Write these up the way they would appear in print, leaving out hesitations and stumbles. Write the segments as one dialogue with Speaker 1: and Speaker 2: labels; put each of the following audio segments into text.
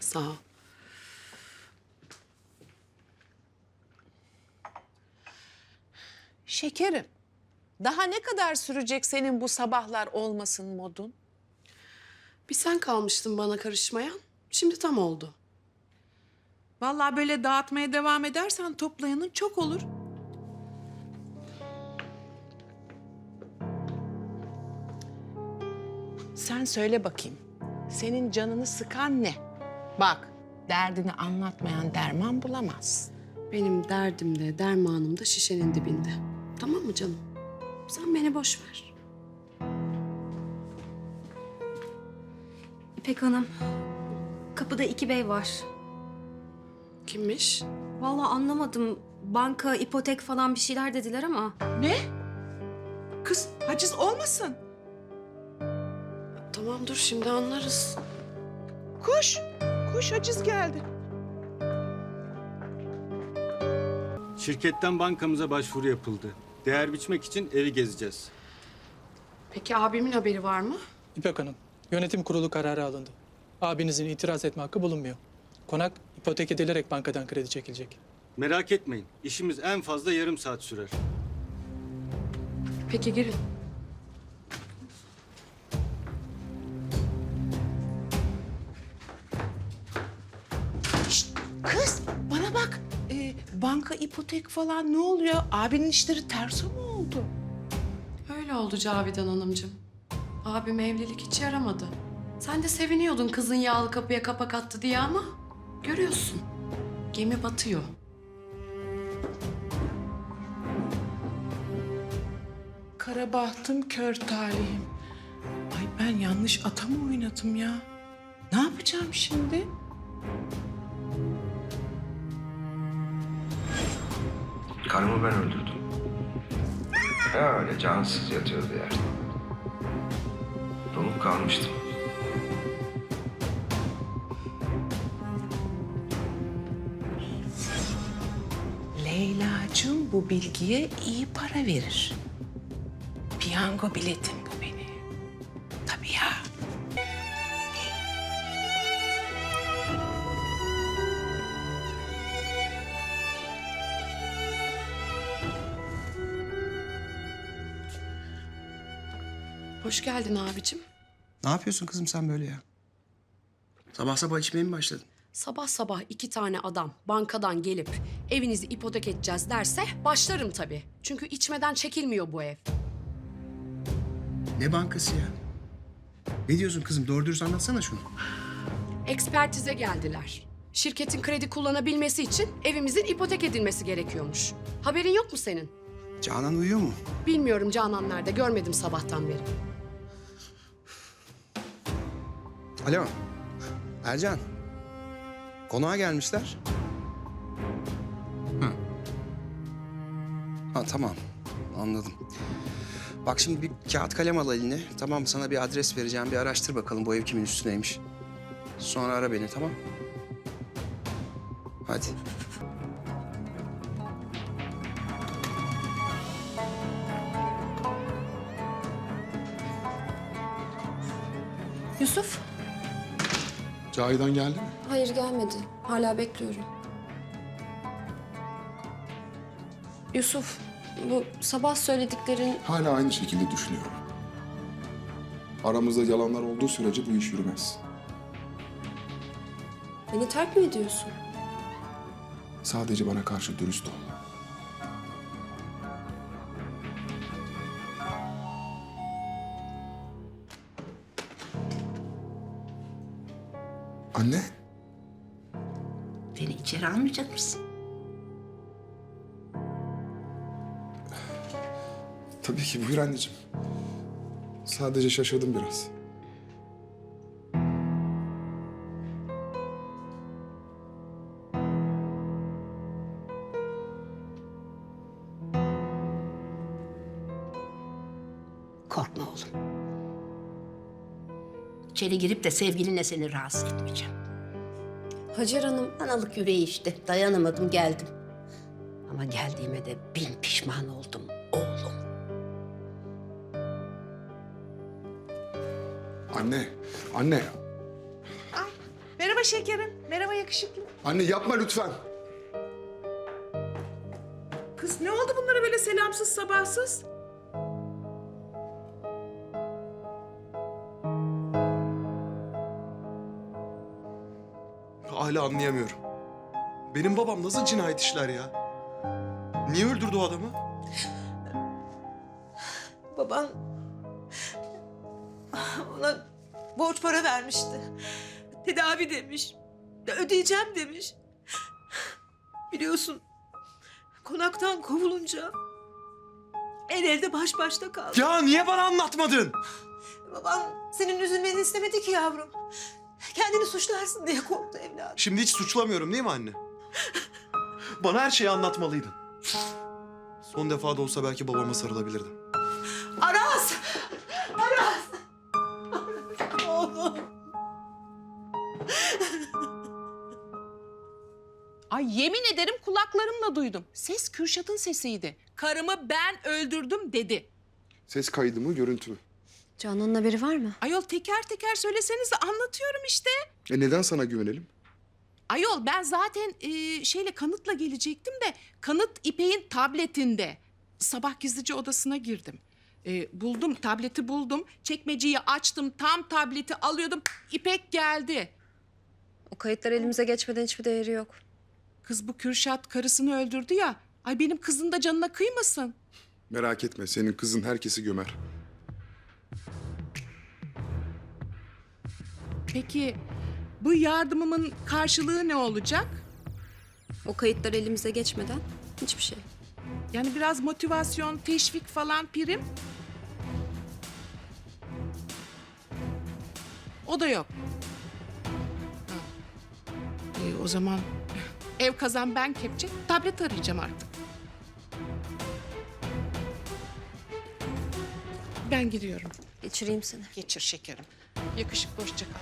Speaker 1: Sağ ol.
Speaker 2: Şekerim, daha ne kadar sürecek senin bu sabahlar olmasın modun?
Speaker 1: Bir sen kalmıştın bana karışmayan. Şimdi tam oldu.
Speaker 2: Vallahi böyle dağıtmaya devam edersen toplayanın çok olur. Sen söyle bakayım, senin canını sıkan ne? Bak, derdini anlatmayan derman bulamaz.
Speaker 1: Benim derdim de dermanım da şişenin dibinde. Tamam mı canım? Sen beni boş ver.
Speaker 3: İpek Hanım, kapıda 2 bey var.
Speaker 1: Kimmiş?
Speaker 3: Vallahi anlamadım. Banka, ipotek falan bir şeyler dediler ama.
Speaker 2: Ne? Kız haciz olmasın.
Speaker 1: Tamam dur şimdi anlarız.
Speaker 2: Koş, koş haciz geldi.
Speaker 4: Şirketten bankamıza başvuru yapıldı. Değer biçmek için evi gezeceğiz.
Speaker 1: Peki abimin haberi var mı?
Speaker 5: İpek Hanım, yönetim kurulu kararı alındı. Abinizin itiraz etme hakkı bulunmuyor. Konak ipotek edilerek bankadan kredi çekilecek.
Speaker 4: Merak etmeyin, işimiz en fazla yarım saat sürer.
Speaker 1: Peki girin.
Speaker 2: Şişt, kız bana bak. Banka, ipotek falan ne oluyor? Abinin işleri terso mu oldu?
Speaker 1: Öyle oldu Cavidan Hanımcığım. Abim evlilik hiç yaramadı. Sen de seviniyordun kızın yağlı kapıya kapak attı diye ama... görüyorsun, gemi batıyor.
Speaker 2: Kara bahtım, kör talihim. Ay ben yanlış ata mı oynadım ya? Ne yapacağım şimdi?
Speaker 6: Karımı ben öldürdüm. Öyle cansız yatıyordu yerde. Donup kalmıştım.
Speaker 2: Leyla'cığım bu bilgiye iyi para verir. Piyango biletim bu benim. Tabii ya.
Speaker 1: Hoş geldin abicim.
Speaker 7: Ne yapıyorsun kızım sen böyle ya? Sabah sabah içmeye mi başladın?
Speaker 1: Sabah sabah 2 tane adam bankadan gelip evinizi ipotek edeceğiz derse başlarım tabii. Çünkü içmeden çekilmiyor bu ev.
Speaker 7: Ne bankası ya? Ne diyorsun kızım? Doğru dürüst anlatsana şunu.
Speaker 1: Ekspertize geldiler. Şirketin kredi kullanabilmesi için evimizin ipotek edilmesi gerekiyormuş. Haberin yok mu senin?
Speaker 7: Canan uyuyor mu?
Speaker 1: Bilmiyorum Canan nerede, görmedim sabahtan beri.
Speaker 7: Alo. Ercan. Konağa gelmişler. Hı. Ha tamam. Anladım. Bak şimdi bir kağıt kalem al eline. Tamam sana bir adres vereceğim. Bir araştır bakalım bu ev kimin üstüneymiş. Sonra ara beni tamam? Hadi.
Speaker 3: Yusuf?
Speaker 8: Cahidan geldi mi?
Speaker 3: Hayır gelmedi. Hala bekliyorum. Yusuf, bu sabah söylediklerin...
Speaker 8: Hala aynı şekilde düşünüyorum. Aramızda yalanlar olduğu sürece bu iş yürümez.
Speaker 3: Beni terk mi ediyorsun?
Speaker 8: Sadece bana karşı dürüst ol. Anne,
Speaker 9: Beni içeri almayacak mısın?
Speaker 8: tabii ki buyur anneciğim. Sadece şaşırdım biraz.
Speaker 9: Korkma oğlum. İçeri girip de sevgilinle seni rahatsız etmeyeceğim.
Speaker 3: Hacer Hanım,
Speaker 9: Analık yüreği işte. Dayanamadım geldim. Ama geldiğime de bin pişman oldum oğlum.
Speaker 8: Anne, anne.
Speaker 2: Merhaba Merhaba şekerim. Merhaba yakışıklı.
Speaker 8: Anne yapma lütfen.
Speaker 2: Kız ne oldu bunlara böyle selamsız sabahsız?
Speaker 10: Hala anlayamıyorum. Benim babam nasıl cinayet işler ya? Niye öldürdü o adamı?
Speaker 11: Baban ona borç para vermişti. Tedavi demiş. Ödeyeceğim demiş. Biliyorsun konaktan kovulunca el elde baş başta kaldı.
Speaker 10: Ya niye bana anlatmadın?
Speaker 11: Baban senin üzülmeni istemedi ki yavrum. Kendini suçlarsın diye korktu evladım.
Speaker 10: Şimdi hiç suçlamıyorum değil mi anne? Bana her şeyi anlatmalıydın. Son defa da olsa belki babama sarılabilirdim.
Speaker 11: Aras! Aras! Oğlum.
Speaker 2: Ay yemin ederim kulaklarımla duydum. Ses Kürşat'ın sesiydi. Karımı ben öldürdüm dedi.
Speaker 8: Ses kaydı mı, görüntü mü?
Speaker 3: Canan'ın haberi var mı?
Speaker 2: Ayol teker teker söyleseniz de anlatıyorum işte.
Speaker 8: Neden sana güvenelim?
Speaker 2: Ayol ben zaten kanıtla gelecektim de kanıt İpek'in tabletinde. Sabah gizlice odasına girdim. Buldum, tableti buldum. Çekmeceyi açtım, tam tableti alıyordum. İpek geldi.
Speaker 3: O kayıtlar elimize geçmeden hiçbir değeri yok.
Speaker 2: Kız bu Kürşat karısını öldürdü ya. Ay benim kızın da canına kıymasın.
Speaker 8: Merak etme, senin kızın herkesi gömer.
Speaker 2: Peki bu yardımımın karşılığı ne olacak?
Speaker 3: O kayıtlar elimize geçmeden hiçbir şey.
Speaker 2: Yani biraz motivasyon, teşvik falan prim. O da yok. Ha. O zaman ev kazan ben kepçe, tablet arayacağım artık. Ben gidiyorum.
Speaker 3: Geçireyim seni.
Speaker 2: Geçir şekerim. Yakışıklı hoşça kal.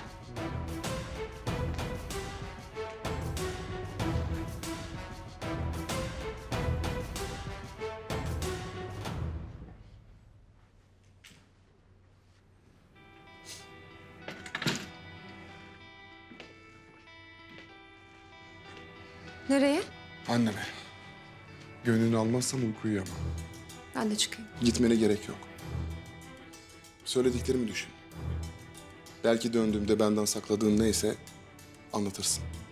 Speaker 3: Nereye?
Speaker 8: Anneme. Gönlünü almazsam uyku uyuyamam.
Speaker 3: Ben de çıkayım.
Speaker 8: Gitmene gerek yok. Söylediklerimi düşün. Belki döndüğümde benden sakladığın neyse anlatırsın.